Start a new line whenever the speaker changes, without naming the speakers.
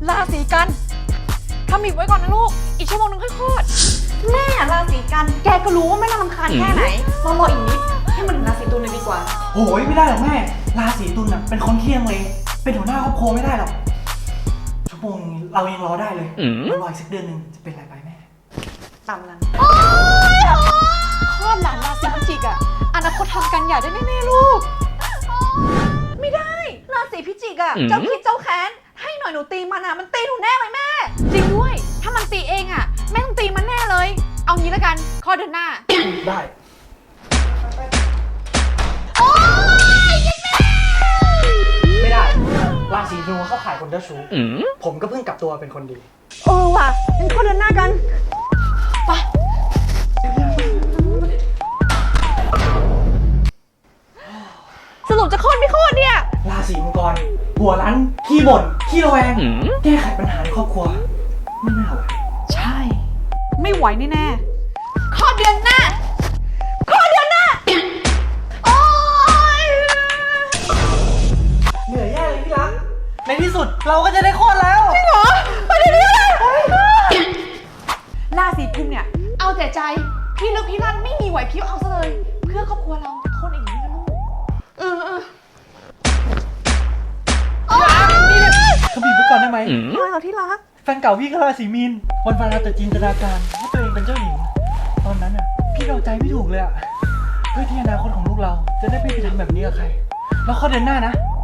ราศีกันทำอีกไว้ก่อนนะลูกอีกชั่วโมงนึงค่อยคลอดแม่ราศีกันแกก็รู้ว่าไม่น่ารำคาญแค่ไหนรออีกนิดให้มันถึงราศีตุลเลยดีกว่า
โอ้ยไม่ได้หรอกแม่ราศีตุลน่ะเป็นคนเที่ยงเลยเป็นหัวหน้าครอบครัวไม่ได้หรอกชั่วโมงเรายังรอได้เลยรออีกสักเดือนนึงจะเป็นอะไรไปแม่
ตามนั้นคลอดหลานราศีพิจิกอะอนาคตทำกันอย่าได้แน่ๆลูกไม่ได้ราศีพิจิกอะเจ้าคิดเจ้าแค้นให้หน่อยหนูตีมันอะมันตีหนูแน่เลยแม่จริงด้วยถ้ามันตีเองอะแม่ต้องตีมันแน่เลยเอางี้แล้วกันข้อเดือนหน้า
ได้ไม่ได้ราศีธนูเข้าข่ายคนเจ้าชู้ผมก็เพิ่งกลับตัวเป็นคนดี
ว่ะงั้นข้อเดือนหน้ากันไปสรุปจะโค่นไม่โค่นเนี่ย
ราศีมังกรหัวรั้นขี้บ่นขี้ระแวงแก้ไขปัญหาในครอบครัวไม่น่าไหว
ใช่ไม่ไหวแน่ๆข้อเดือนหน้าโอ๊ย
เหนื่อยแย่เลยพี่รักในที่สุดเราก็จะได้คลอดแล้ว
จริงเหรอไปเดี๋ยวนี้เลยราศีกุมเนี่ยเอาแต่ใจพี่ลึกพี่ลั่นไม่มีไหวพริบเอาซะเลยเพื่อครอบครัวเราทนอย่างนี้นะลูก
เขาบีบไปก่อนได้ไหม
ไม่เอาที่รัก
แฟนเก่าพี่ก็ราศีมีนวันๆแต่จินตนาการว่าตัวเองเป็นเจ้าหญิงตอนนั้นอ่ะพี่เดาใจไม่ถูกเลยอ่ะเพื่อที่อนาคตของลูกเราจะได้ไม่ไปทำแบบนี้กับใครแล้วข้อเดือนหน้านะ